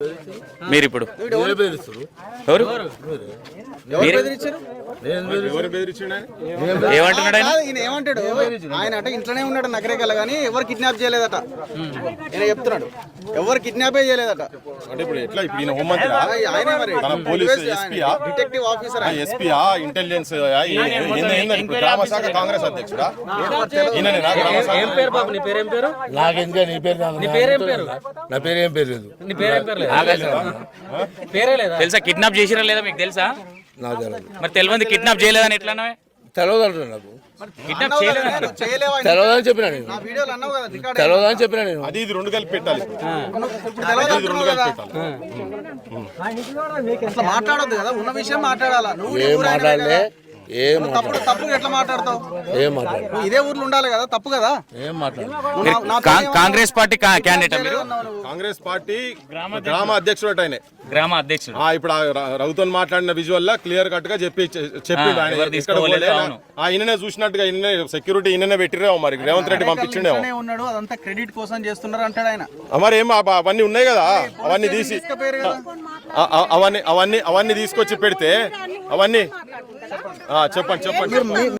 మీరు ఇప్పుడు ఎవరు ఏమంటున్నాడు ఈయన ఏమంటాడు? ఆయన అట ఇంట్లోనే ఉన్నాడు నగరేకల్లా కానీ ఎవరు కిడ్నాప్ చేయలేదట. ఈయన చెప్తున్నాడు ఎవరు కిడ్నాపే చేయలేదట. అంటే ఇప్పుడు ఎట్లా ఇప్పుడు ఈయన హోంమంత్రి ఆయనే మరి పోలీస్ ఎస్పీయా డిటెక్టివ్ ఆఫీసర్ ఎస్పీయా ఇంటెలిజెన్స్ గ్రామ శాఖ కాంగ్రెస్ అధ్యక్షుడా ఈయననేనా గ్రామ శాఖ? ఏం పేరు బాబు? నీ పేరేం పేరు? నాకెందుకే నీ పేరు? నీ పేరేం పేరు? నా పేరు ఏం పేరు లేదు. నీ పేరేం పేరు లేదు? పేరే లేదా? తెలుసా కిడ్నాప్ చేసిరా లేదా మీకు తెలుసా? నాకు తెలియదు. మరి తెలియదు కిడ్నాప్ చేయలేదని ఎట్లా తెలియదు అంటున్నా. నాకు కిడ్నాప్ చేయలేదని చేయలేవా? తెలియదని చెప్పినా నేను. ఆ వీడియోలు అన్నావు కదా రికార్డ్ తెలియదని చెప్పినా నేను. అది ఇది రెండు కలిపి పెట్టాలి. ఇప్పుడు తెలియదు అంటున్నావు కదా. అట్లా మాట్లాడొద్దు కదా, ఉన్న విషయం మాట్లాడాలా. నువ్వు ఏం మాట్లాడలే, ఏం తప్పు ఎట్లా మాట్లాడతావు? ఏం మాట్లాడు. నువ్వు ఇదే ఊర్లో ఉండాలి కదా, తప్పు కదా. ఏం మాట్లాడు. కాంగ్రెస్ పార్టీ క్యాండిడేట్ మీరు? కాంగ్రెస్ పార్టీ గ్రామ అధ్యక్షుడు ఆయన. గ్రామ అధ్యక్షుడు. ఇప్పుడు రఘుతో మాట్లాడిన విజువల్ లా క్లియర్ కట్ గా చెప్పిండు ఆయన. ఈయననే చూసినట్టుగా ఈయన సెక్యూరిటీ ఈయననే పెట్టిరేమో మరి రేవంత్ రెడ్డి పంపించిండేమో. ఉన్నాడు అదంతా క్రెడిట్ కోసం చేస్తున్నారు అంటాడు ఆయన. మరి ఏం అవన్నీ ఉన్నాయి కదా, అవన్నీ తీసి అవన్నీ తీసుకొచ్చి పెడితే అవన్నీ చెప్పండి.